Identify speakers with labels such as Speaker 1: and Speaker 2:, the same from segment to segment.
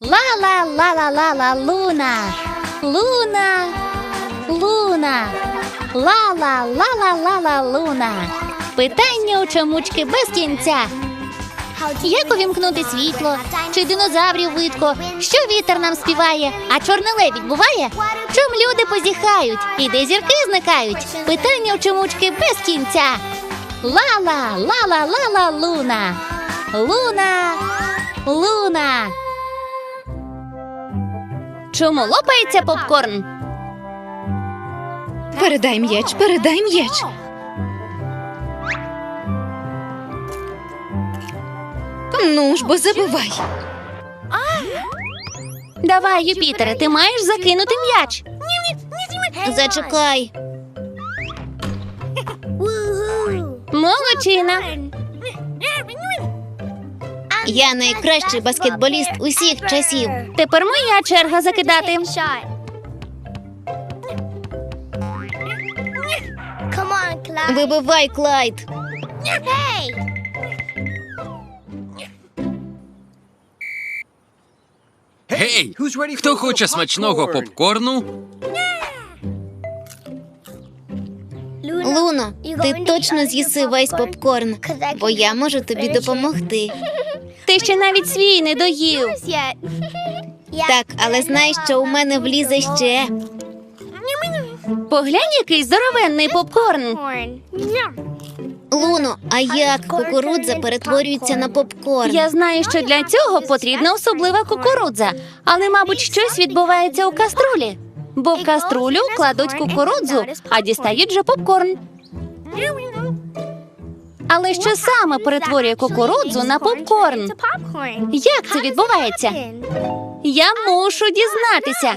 Speaker 1: Ла-ла-ла-ла-ла-ла, Луна. Луна. Луна. Ла-ла-ла-ла-ла-ла, Луна. Питання у чомучки без кінця. Як увімкнути світло? Чи динозаврів видко? Що вітер нам співає? А чорний лебідь буває? Чом люди позіхають? І де зірки зникають? Питання у чомучки без кінця. Ла-ла, ла-ла-ла-ла, Луна. Луна. Луна. Чому лопається попкорн?
Speaker 2: Передай м'яч, передай м'яч. Ну ж бо забивай.
Speaker 1: Давай, Юпітере, ти маєш закинути м'яч. Зачекай. Молодчина. Я найкращий баскетболіст усіх часів. Тепер моя черга закидати. Вибивай, Клайд.
Speaker 3: Гей! Хто хоче смачного попкорну?
Speaker 1: Луно, ти точно з'їси весь попкорн, бо я можу тобі допомогти. Ти ще навіть свій не доїв. Так, але знай, що у мене влізе ще. Поглянь, який здоровенний попкорн. Луно, а як кукурудза перетворюється на попкорн? Я знаю, що для цього потрібна особлива кукурудза, але, мабуть, щось відбувається у каструлі. Бо в каструлю кладуть кукурудзу, а дістають же попкорн. Але що саме перетворює кукурудзу на попкорн? Як це відбувається? Я мушу дізнатися.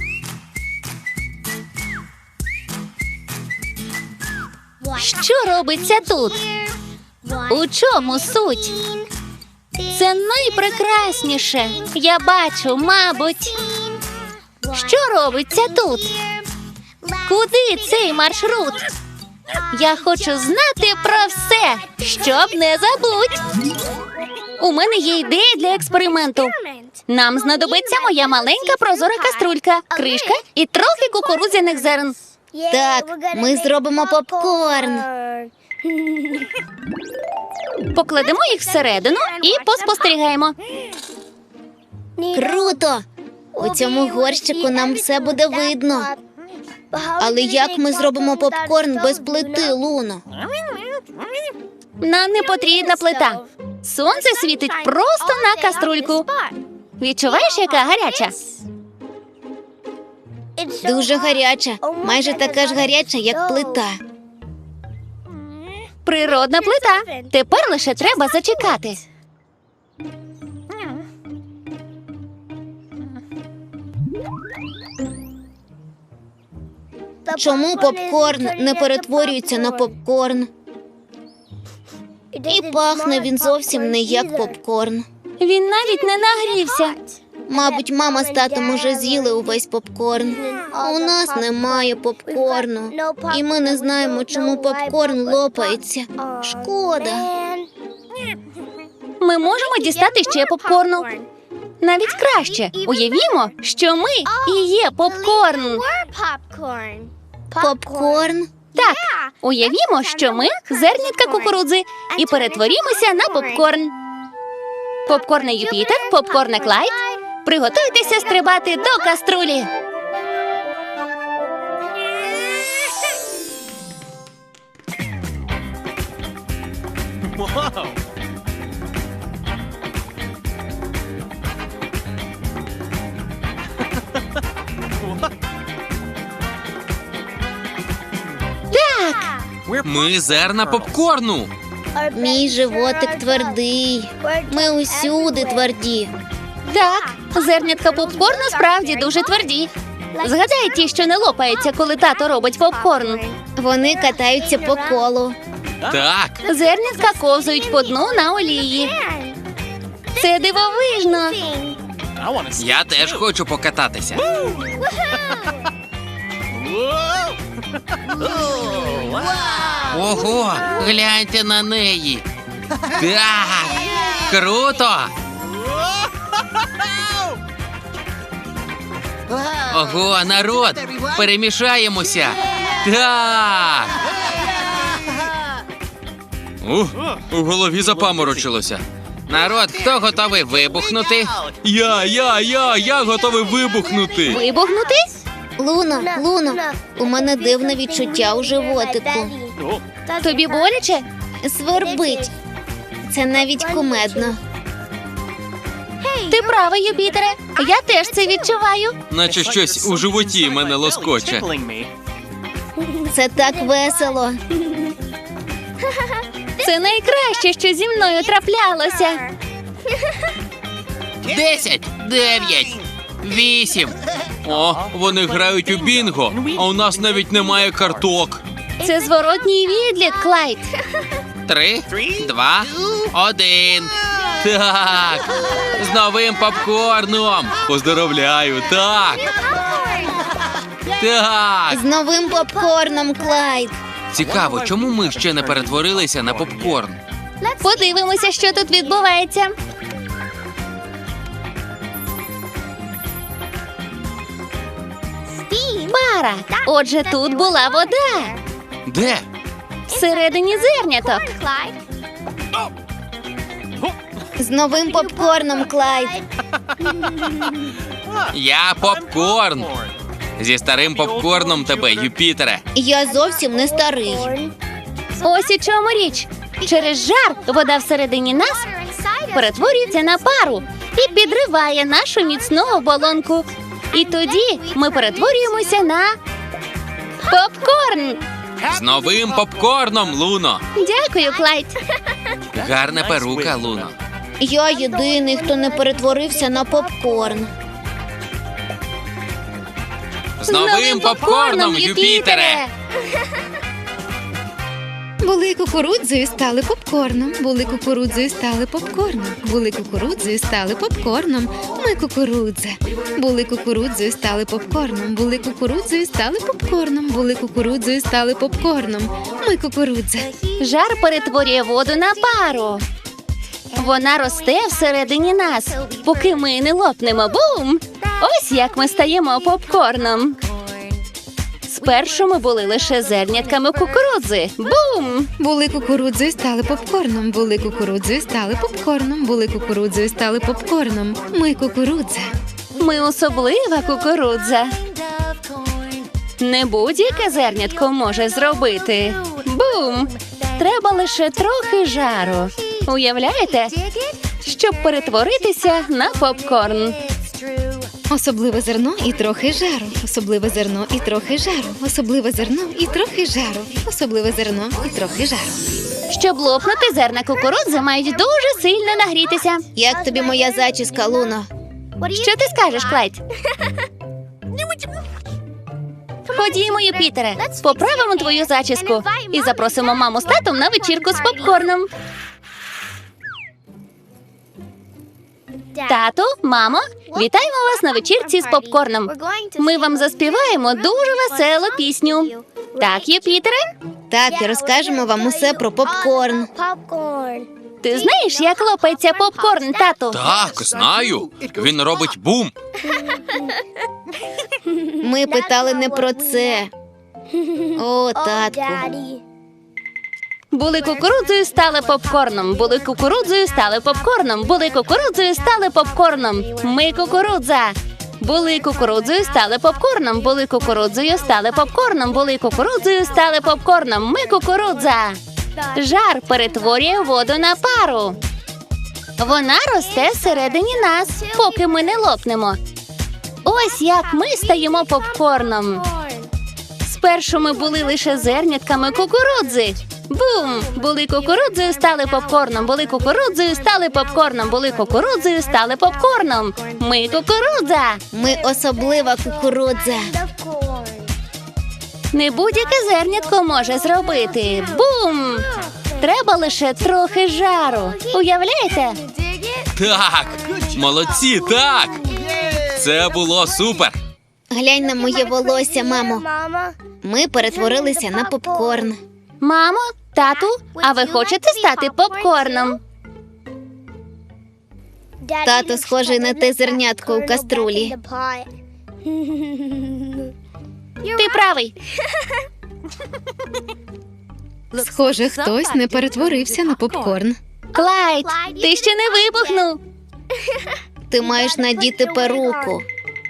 Speaker 1: Що робиться тут? У чому суть? Це найпрекрасніше. Я бачу, мабуть. Що робиться тут? Куди цей маршрут? Я хочу знати про все, щоб не забудь. У мене є ідея для експерименту. Нам знадобиться моя маленька прозора каструлька, кришка і трохи кукурудзяних зерен. Так, ми зробимо попкорн. Покладемо їх всередину і поспостерігаємо. Круто! У цьому горщику нам все буде видно. Але як ми зробимо попкорн без плити, Луно? Нам не потрібна плита. Сонце світить просто на каструльку. Відчуваєш, яка гаряча? Дуже гаряча. Майже така ж гаряча, як плита. Природна плита. Тепер лише треба зачекати. Чому попкорн не перетворюється на попкорн? І пахне він зовсім не як попкорн. Він навіть не нагрівся. Мабуть, мама з татом уже з'їли увесь попкорн. А у нас немає попкорну. І ми не знаємо, чому попкорн лопається. Шкода. Ми можемо дістати ще попкорну. Навіть краще. Уявімо, що ми і є попкорн. Попкорн? Так. Уявімо, що ми зернятка кукурудзи і перетворімося на попкорн. Попкорне Юпітер, попкорне Клайд. Приготуйтеся стрибати до каструлі.
Speaker 3: Ми зерна попкорну.
Speaker 1: Мій животик твердий. Ми усюди тверді. Так, зернятка попкорну справді дуже тверді. Згадай ті, що не лопаються, коли тато робить попкорн. Вони катаються по колу.
Speaker 3: Так.
Speaker 1: Зернятка ковзають по дну на олії. Це дивовижно.
Speaker 3: Я теж хочу покататися. Ого, гляньте на неї. Так, круто. Ого, народ! Перемішаємося! Так! У голові запаморочилося. Народ, хто готовий вибухнути? Я готовий вибухнути!
Speaker 1: Вибухнути?
Speaker 2: Луно, у мене дивне відчуття у животику.
Speaker 1: Тобі боляче?
Speaker 2: Свербить. Це навіть кумедно.
Speaker 1: Ти правий, Юпітере. Я теж це відчуваю.
Speaker 3: Наче щось у животі мене лоскоче.
Speaker 2: Це так весело.
Speaker 1: Це найкраще, що зі мною траплялося.
Speaker 3: 10, 9, 8. О, вони грають у бінго, а у нас навіть немає карток.
Speaker 1: Це зворотній відлік, Клайд.
Speaker 3: 3, 2, 1. Так! З новим попкорном! Поздоровляю! Так! Так!
Speaker 2: З новим попкорном, Клайд.
Speaker 3: Цікаво, чому ми ще не перетворилися на попкорн?
Speaker 1: Подивимося, що тут відбувається. Пара. Отже, тут була вода.
Speaker 3: Де?
Speaker 1: Всередині зерняток.
Speaker 2: З новим попкорном, Клайд.
Speaker 3: Я попкорн! Зі старим попкорном тебе, Юпітере!
Speaker 2: Я зовсім не старий.
Speaker 1: Ось у чому річ. Через жар вода всередині нас перетворюється на пару і підриває нашу міцну оболонку. І тоді ми перетворюємося на попкорн.
Speaker 3: З новим попкорном, Луно!
Speaker 1: Дякую, Клайд.
Speaker 3: Гарна перука, Луно.
Speaker 2: Я єдиний, хто не перетворився на попкорн.
Speaker 3: З новим попкорном, Юпітере!
Speaker 2: Були кукурудзою, стали попкорном. Були кукурудзою, стали попкорном. Були кукурудзою, стали попкорном. Ми кукурудза. Були кукурудзою, стали попкорном. Були кукурудзою, стали попкорном. Були кукурудзою, стали попкорном. Ми кукурудза.
Speaker 1: Жар перетворює воду на пару. Вона росте всередині нас, поки ми не лопнемо. Бум! Ось як ми стаємо попкорном. Спершу ми були лише зернятками кукурудзи. Бум!
Speaker 2: Були кукурудзою, стали попкорном. Були кукурудзою, стали попкорном. Були кукурудзою, стали попкорном. Ми кукурудза.
Speaker 1: Ми особлива кукурудза. Не будь-яке зернятко може зробити. Бум! Треба лише трохи жару. Уявляєте? Щоб перетворитися на попкорн.
Speaker 2: Особливе зерно і трохи жару. Особливе зерно і трохи жару. Особливе зерно і трохи жару. Особливе зерно і трохи жару.
Speaker 1: Щоб лопнути, зерна кукурудзи мають дуже сильно нагрітися.
Speaker 2: Як тобі моя зачіска, Луно?
Speaker 1: Що ти скажеш, Клайд? Ходімо, Юпітере, поправимо твою зачіску і запросимо маму з татом на вечірку з попкорном. Тату, мамо, вітаємо вас на вечірці з попкорном. Ми вам заспіваємо дуже веселу пісню. Так, Юпітере?
Speaker 2: Так, і розкажемо вам усе про попкорн.
Speaker 1: Ти знаєш, як лопається попкорн, тату?
Speaker 3: Так, знаю. Він робить бум.
Speaker 2: Ми питали не про це. О, татку.
Speaker 1: Були кукурудзою, стали попкорном. Були кукурудзою, стали попкорном. Були кукурудзою, стали попкорном. Ми кукурудза. Були кукурудзою, стали попкорном. Були кукурудзою, стали попкорном. Були кукурудзою, стали попкорном. Ми кукурудза. Жар перетворює воду на пару. Вона росте всередині нас, поки ми не лопнемо. Ось як ми стаємо попкорном. Спершу ми були лише зернятками кукурудзи. Бум! Були кукурудзою, стали попкорном. Були кукурудзою, стали попкорном. Були кукурудзою, стали попкорном. Ми кукурудза.
Speaker 2: Ми особлива кукурудза.
Speaker 1: Не будь-яке зернятко може зробити. Бум! Треба лише трохи жару. Уявляєте?
Speaker 3: Так, молодці, так. Це було супер.
Speaker 2: Глянь на моє волосся, мамо. Ми перетворилися на попкорн.
Speaker 1: Мамо, тату, а ви хочете стати попкорном?
Speaker 2: Тато схожий на те зернятко у каструлі.
Speaker 1: Ти правий.
Speaker 2: Схоже, хтось не перетворився на попкорн.
Speaker 1: Клайд, ти ще не вибухнув.
Speaker 2: Ти маєш надіти перуку.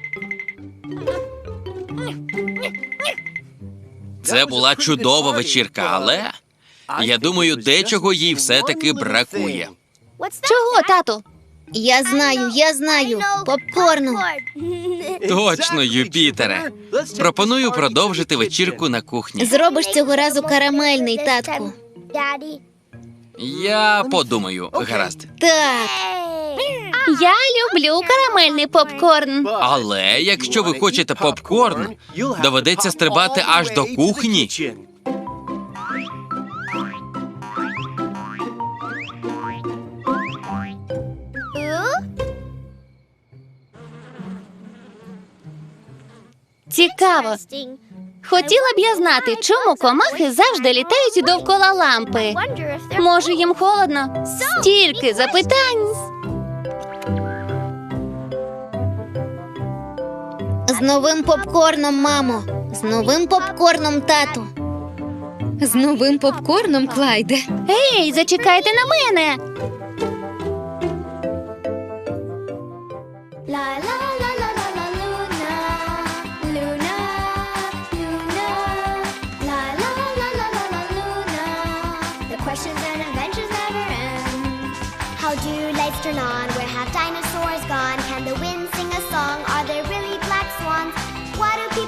Speaker 3: Це була чудова вечірка, але я думаю, дечого їй все-таки бракує.
Speaker 1: Чого, тату?
Speaker 2: Я знаю. Попкорну.
Speaker 3: Точно, Юпітере. Пропоную продовжити вечірку на кухні.
Speaker 2: Зробиш цього разу карамельний, татку.
Speaker 3: Я подумаю, гаразд.
Speaker 2: Так.
Speaker 1: Я люблю карамельний попкорн.
Speaker 3: Але якщо ви хочете попкорн, доведеться стрибати аж до кухні.
Speaker 1: Цікаво. Хотіла б я знати, чому комахи завжди літають довкола лампи. Може, їм холодно? Стільки запитань.
Speaker 2: З новим попкорном, мамо. З новим попкорном, тату. З новим попкорном, Клайде.
Speaker 1: Ей, зачекайте на мене.
Speaker 4: Questions and adventures never end. How do lights turn on? Where have dinosaurs gone? Can the wind sing a song? Are there really black swans? What do